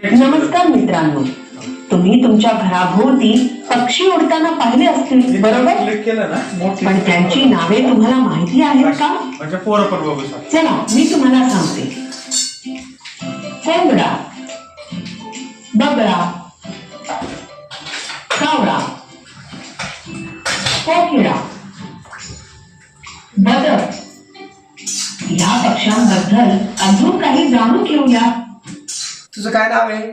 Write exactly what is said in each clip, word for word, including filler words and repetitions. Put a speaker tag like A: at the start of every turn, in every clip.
A: नमस्कार मित्रांनो, तुम्ही तुमच्या घराभोवती पक्षी उडताना पाहिले असतील, बरोबर? पण त्यांची नावे तुम्हाला माहिती आहेत का? चला मी तुम्हाला सांगते. कोंबडा, बगळा, कावळा, कोकिळा, बदक या पक्ष्यांबद्दल अजून काही जाणून घेऊया.
B: तुझं काय नाव आहे?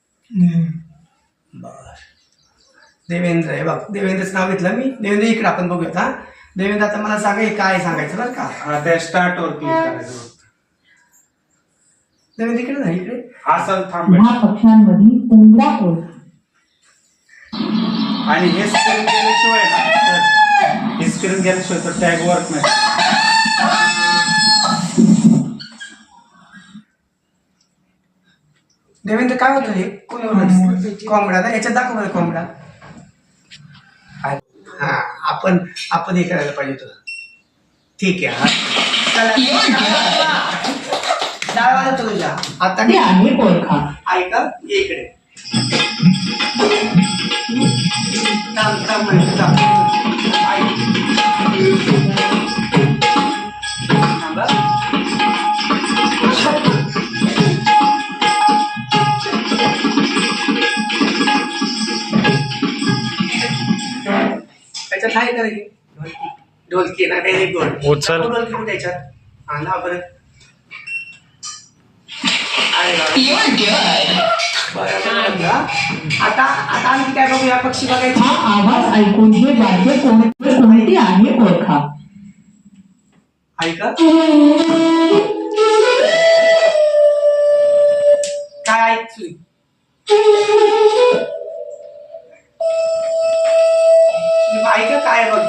B: बर, देवेंद्र आहे बघ. देवेंद्रचं नाव घेतलं मी. देवेंद्र इकडे आपण बघूयात. हा देवेंद्र, आता मला सांगा हे काय सांगायचं बरं का?
C: त्या स्टार्ट वर क्लिक करायचं.
B: देवेंद्र इकडे नाही, इकडे
C: असं थांब
A: ह्या पक्ष्यांमधील कोंबडा कोण?
C: आणि हे स्क्रीन गेल्याशिवाय ना, हे स्क्रीन गेल्याशिवाय तर टॅग वर्क नाही.
B: देवेंद्र काय होतं हे? कोण कोंबडा ना? याच्यात दाखव मला कोंबडा. हा आपण आपण हे करायला पाहिजे होतं. ठीक आहे. डाळ वाजवतो तुझ्या आता.
A: ते आहे कोळखा.
B: ऐका ये इकडे. थांब थांब म्हणतो थांब. ऐक. थांबा. त्याच्यात आहे का ढोलकी? ढोलकी ना, व्हेरी गुड.
D: उचल.
B: ढोलकी कुठे त्याच्यात? हा ना बरं. आता आता आम्ही काय बघूया, पक्षी बघायचे.
A: हा आवाज ऐकून हे वाद्य कोणते कोणते आहे ओळखा.
B: ऐका काय ऐक सुई. ऐका काय बघ.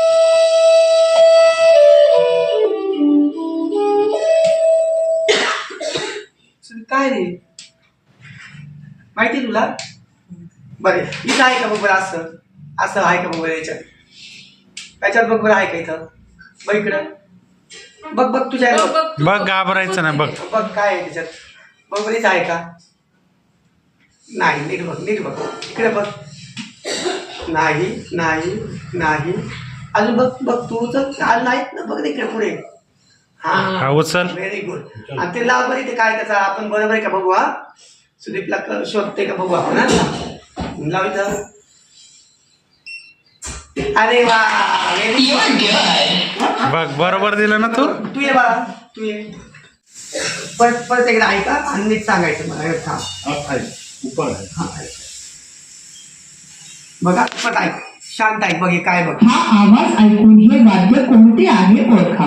B: काय रे माहिती तुला? बरे इथं आहे का बघ बरं. असं असं आहे का बघ बरं. याच्यात याच्यात बघ बरं आहे का इथं? बघ इकडं बघ बघ तुझ्या
D: बघ, घाबरायचं नाही. बघ
B: बघ काय आहे त्याच्यात. बघ बरं इथं आहे का? नाही. नीट बघ, नीट बघ इकडे बघ. नाही नाही नाही. अजून बघ बघ तू तर आज नाहीत ना. बघ इकडे पुढे.
D: हा उचल.
B: Very good. आणि ते लाव बरं. ते काय त्याचा आपण बरोबर आहे का बघू. हा सुदीपला शोधते का बघू आपण. हा लाव इथं. अरे वा, व्हेरी गुड.
D: बघ बरोबर दिलं ना तू.
B: तू ये बाळा, तू ये. परत परत एकदा ऐका आणि नीट सांगायचं मला. थांब. हा बघा परत ऐक. शांत ऐक. बघ हे काय बघ.
A: हा आवाज ऐकून हे वाद्य कोणते आहे ओळखा.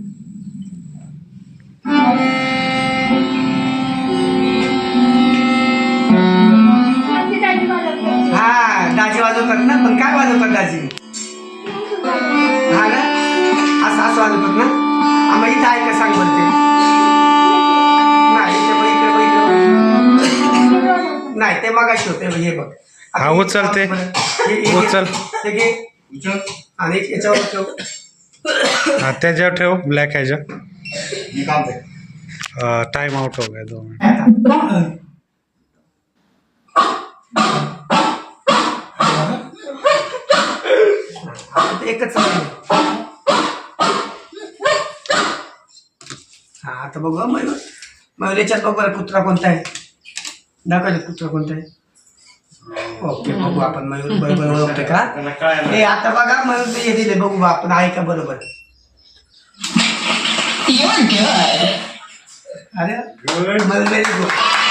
B: हा दाजी वाजवतात ना. पण काय वाजवतात दाजी? हा ना, असं असं वाजवतात ना. आम्हाला इथं आहे का सांग बरं. ते नाही ते बघ इकडे बघ इकडे. नाही ते मगाशी होते. हे बघ.
D: हा उचल ते. उचल.
B: ते घे आणि याच्यावर ठेव.
D: हा त्याच्यावर ठेव. ब्लॅक ह्याच्या. टाइम आउट हो गया दो मिनट.
B: एकच. हा आता बघू मयूर. मयूर याच्यात बघ बरं कुत्रा कोणता आहे. दाखवायचं कुत्रा कोणता आहे. ओके बघू आपण मयूर बरोबर ओळखते का. हे आता बघा मयूर ते हे दिले. बघू आपण आहे का बरोबर. अरे मयूर व्हेरी गुड.